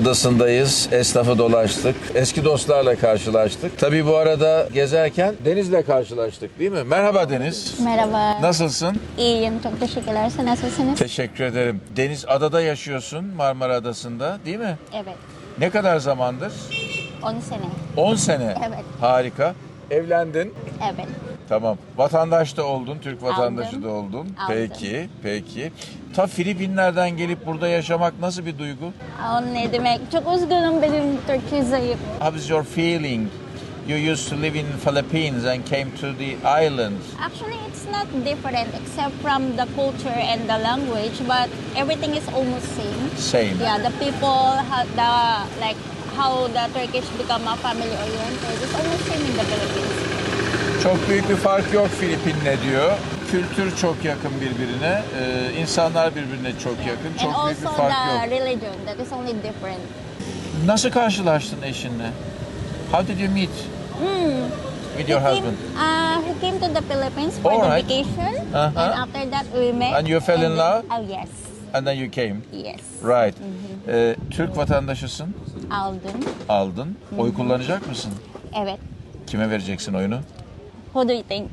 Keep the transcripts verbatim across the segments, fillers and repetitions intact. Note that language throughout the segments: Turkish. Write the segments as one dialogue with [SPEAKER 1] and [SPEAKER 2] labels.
[SPEAKER 1] adasındayız. Esnafı dolaştık. Eski dostlarla karşılaştık. Tabii bu arada gezerken Deniz'le karşılaştık değil mi? Merhaba Deniz.
[SPEAKER 2] Merhaba.
[SPEAKER 1] Nasılsın?
[SPEAKER 2] İyiyim, çok teşekkürler. Sen nasılsınız?
[SPEAKER 1] Teşekkür ederim. Deniz, adada yaşıyorsun, Marmara Adası'nda değil mi?
[SPEAKER 2] Evet,
[SPEAKER 1] Ne kadar zamandır?
[SPEAKER 2] on sene.
[SPEAKER 1] on sene.
[SPEAKER 2] Evet.
[SPEAKER 1] Harika. Evlendin.
[SPEAKER 2] Evet.
[SPEAKER 1] Tamam. Vatandaş da oldun, Türk vatandaşı
[SPEAKER 2] Aldım.
[SPEAKER 1] da oldun.
[SPEAKER 2] Aldım.
[SPEAKER 1] Peki, peki. Ta Filipinler'den gelip burada yaşamak nasıl bir duygu?
[SPEAKER 2] O ne demek? Çok üzgünüm, benim Türkçe zayıf.
[SPEAKER 1] How is your feeling? You used to live in Philippines and came to the islands.
[SPEAKER 2] Actually, it's not different except from the culture and the language, but everything is almost same.
[SPEAKER 1] Same.
[SPEAKER 2] Yeah, the people, how the like how the Turkish become a family oriented, it's almost same in the Philippines.
[SPEAKER 1] Çok büyük bir fark yok Filipin'le diyor. Kültür çok yakın birbirine, ee, insanlar birbirine çok yakın.
[SPEAKER 2] And
[SPEAKER 1] Çok büyük bir
[SPEAKER 2] also
[SPEAKER 1] fark
[SPEAKER 2] the
[SPEAKER 1] yok.
[SPEAKER 2] religion, that is only different.
[SPEAKER 1] Nasıl karşılaştın eşinle? How did you meet with your
[SPEAKER 2] he
[SPEAKER 1] husband?
[SPEAKER 2] Came, uh, he came to the Philippines for
[SPEAKER 1] All
[SPEAKER 2] the
[SPEAKER 1] right.
[SPEAKER 2] vacation,
[SPEAKER 1] Uh-huh.
[SPEAKER 2] and after that we met.
[SPEAKER 1] And you fell in
[SPEAKER 2] then-
[SPEAKER 1] love?
[SPEAKER 2] Oh yes,
[SPEAKER 1] And then you came.
[SPEAKER 2] yes.
[SPEAKER 1] Right. Ee, Türk vatandaşısın,
[SPEAKER 2] Aldım.
[SPEAKER 1] aldın. Oy kullanacak mısın?
[SPEAKER 2] Evet.
[SPEAKER 1] Kime vereceksin oyunu?
[SPEAKER 2] Who do you think?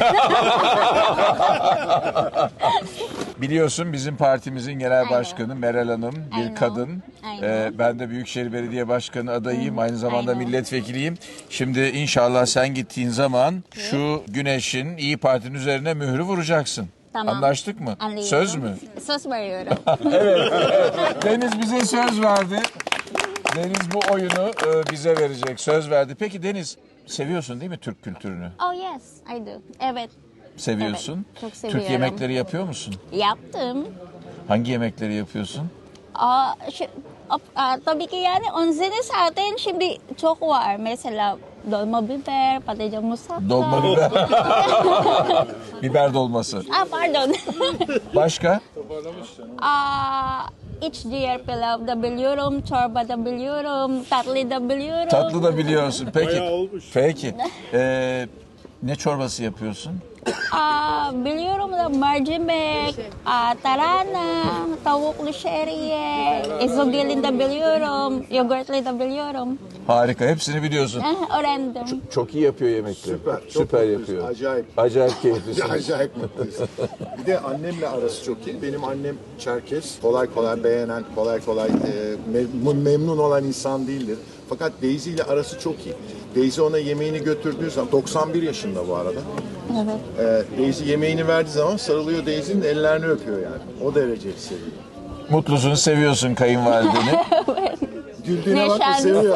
[SPEAKER 1] Biliyorsun bizim partimizin genel
[SPEAKER 2] Aynen.
[SPEAKER 1] başkanı Meral Hanım bir
[SPEAKER 2] Aynen.
[SPEAKER 1] kadın.
[SPEAKER 2] Aynen.
[SPEAKER 1] Ee, ben de Büyükşehir Belediye Başkanı adayıyım. Aynı zamanda
[SPEAKER 2] Aynen.
[SPEAKER 1] milletvekiliyim. Şimdi inşallah sen gittiğin zaman şu güneşin İyi Parti'nin üzerine mührü vuracaksın.
[SPEAKER 2] Tamam.
[SPEAKER 1] Anlaştık mı?
[SPEAKER 2] Anlıyorum.
[SPEAKER 1] Söz mü?
[SPEAKER 2] Söz veriyorum.
[SPEAKER 1] Deniz bize söz verdi. Deniz bu oyunu e, bize verecek. Söz verdi. Peki Deniz, seviyorsun değil mi Türk kültürünü?
[SPEAKER 2] Oh yes, I do. Evet.
[SPEAKER 1] Seviyorsun.
[SPEAKER 2] Evet, çok
[SPEAKER 1] Türk
[SPEAKER 2] seviyorum.
[SPEAKER 1] yemekleri yapıyor musun?
[SPEAKER 2] Yaptım.
[SPEAKER 1] Hangi yemekleri yapıyorsun?
[SPEAKER 2] Aa, şi- ap- aa, tabii ki yani on sene zaten şimdi çok var. Mesela dolma biber, patlıcan musakka.
[SPEAKER 1] Dolma biber. Biber dolması.
[SPEAKER 2] Ah pardon.
[SPEAKER 1] Başka?
[SPEAKER 2] Aa, iç ciğer pilav da biliyorum, çorba da biliyorum, tatlı da biliyorum.
[SPEAKER 1] Tatlı da biliyorsun. Peki.
[SPEAKER 3] Bayağı olmuş.
[SPEAKER 1] Peki. Ee, ne çorbası yapıyorsun?
[SPEAKER 2] Aa, biliyorum da mercimek, aa, tarana, tavuklu şehriye, ezogelin de biliyorum, yoğurtlu da biliyorum.
[SPEAKER 1] Harika. Hepsini biliyorsun.
[SPEAKER 2] Eh, öğrendim.
[SPEAKER 1] Çok iyi yapıyor yemekleri.
[SPEAKER 3] Süper, çok
[SPEAKER 1] Süper
[SPEAKER 3] mutluyuz.
[SPEAKER 1] yapıyor.
[SPEAKER 3] Acayip.
[SPEAKER 1] Acayip keyiflisin.
[SPEAKER 3] Acayip mutluyuz. Bir de annemle arası çok iyi. Benim annem Çerkes. Kolay kolay beğenen, kolay kolay e, mem- memnun olan insan değildir. Fakat Daisy ile arası çok iyi. Daisy ona yemeğini götürdüğü zaman, doksan bir yaşında bu arada.
[SPEAKER 2] Evet.
[SPEAKER 3] E, Daisy yemeğini verdiği zaman sarılıyor Daisy'nin ellerini öpüyor yani. O derece seviyor.
[SPEAKER 1] Mutlusun, seviyorsun kayınvalideni.
[SPEAKER 3] Güldüğüne
[SPEAKER 2] Ne
[SPEAKER 3] bak da
[SPEAKER 2] şans.
[SPEAKER 3] seviyor.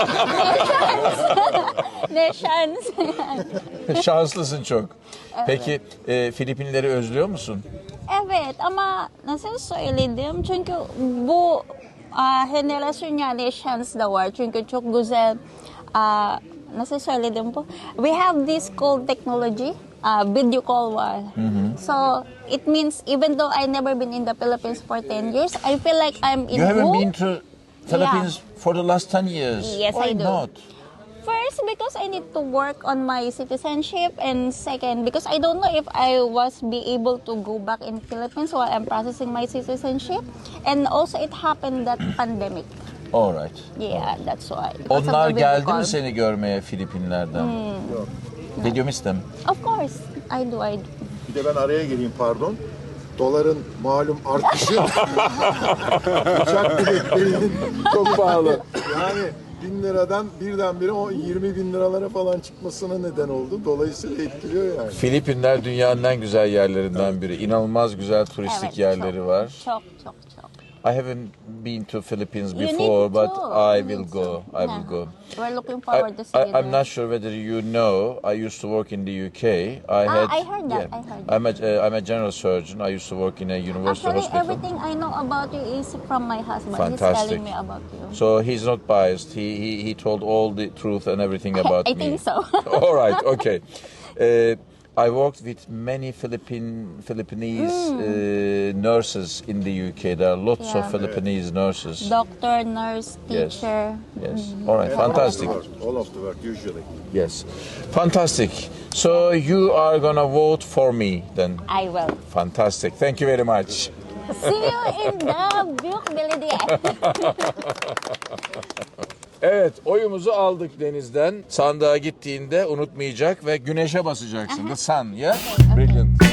[SPEAKER 2] Ne şans.
[SPEAKER 1] Şanslısın çok. Peki e, Filipinleri özlüyor musun?
[SPEAKER 2] Evet ama nasıl söyledim? Çünkü bu ah, jenerasyon yani şans da var. Çünkü çok güzel ah, nasıl söyledim bu? We have this called technology. Uh, video call var. So it means even though I never been in the Philippines for ten years, I feel like I'm in
[SPEAKER 1] You haven't
[SPEAKER 2] home.
[SPEAKER 1] been to Philippines for the last ten years.
[SPEAKER 2] Yes,
[SPEAKER 1] Why
[SPEAKER 2] I do.
[SPEAKER 1] not?
[SPEAKER 2] First, because I need to work on my citizenship, and second, because I don't know if I was be able to go back in Philippines while I'm processing my citizenship, and also it happened that pandemic.
[SPEAKER 1] All right.
[SPEAKER 2] Yeah, that's why. Because of
[SPEAKER 1] Onlar
[SPEAKER 2] the video
[SPEAKER 1] geldi
[SPEAKER 2] call.
[SPEAKER 1] mi seni görmeye Filipinlerden? Did you miss them?
[SPEAKER 2] Of course, I do. I do.
[SPEAKER 3] Bir de ben araya gireyim pardon. Doların malum artışı uçak biletlerinin
[SPEAKER 1] Çok pahalı.
[SPEAKER 3] yani bin liradan birdenbire o yirmi bin liralara falan çıkmasına neden oldu. Dolayısıyla etkiliyor yani.
[SPEAKER 1] Filipinler dünyanın en güzel yerlerinden biri. İnanılmaz güzel turistik
[SPEAKER 2] Evet,
[SPEAKER 1] yerleri
[SPEAKER 2] çok,
[SPEAKER 1] var.
[SPEAKER 2] Çok çok çok.
[SPEAKER 1] I haven't been to Philippines
[SPEAKER 2] You need
[SPEAKER 1] before, but
[SPEAKER 2] to.
[SPEAKER 1] I
[SPEAKER 2] You
[SPEAKER 1] will
[SPEAKER 2] need
[SPEAKER 1] go.
[SPEAKER 2] to.
[SPEAKER 1] I will
[SPEAKER 2] Yeah.
[SPEAKER 1] go.
[SPEAKER 2] We're looking
[SPEAKER 1] I,
[SPEAKER 2] forward to see
[SPEAKER 1] I,
[SPEAKER 2] you
[SPEAKER 1] I'm
[SPEAKER 2] there.
[SPEAKER 1] not sure whether you know. I used to work in the U K. I had.
[SPEAKER 2] I heard that, I heard that.
[SPEAKER 1] I'm a uh, I'm a general surgeon. I used to work in a university
[SPEAKER 2] Actually,
[SPEAKER 1] hospital.
[SPEAKER 2] everything I know about you is from my husband.
[SPEAKER 1] Fantastic.
[SPEAKER 2] He's telling me about you.
[SPEAKER 1] So he's not biased. He he he told all the truth and everything about
[SPEAKER 2] I
[SPEAKER 1] me.
[SPEAKER 2] think so.
[SPEAKER 1] All right. Okay. Uh, I worked with many Philippine Philippinese uh, nurses in the U K. There are lots
[SPEAKER 2] Hmm. Yeah.
[SPEAKER 1] of Philippinese nurses.
[SPEAKER 2] Doctor, nurse,
[SPEAKER 1] Yes.
[SPEAKER 2] teacher.
[SPEAKER 1] Yes. All right. Fantastic.
[SPEAKER 3] All of the work, all of the work usually.
[SPEAKER 1] Yes. Fantastic. So you are gonna vote for me then.
[SPEAKER 2] I will.
[SPEAKER 1] Fantastic. Thank you very much.
[SPEAKER 2] See you in the Büyük Belediye.
[SPEAKER 1] Evet, oyumuzu aldık Deniz'den. Sandığa gittiğinde unutmayacak ve güneşe basacaksın. The sun, yeah? Brilliant.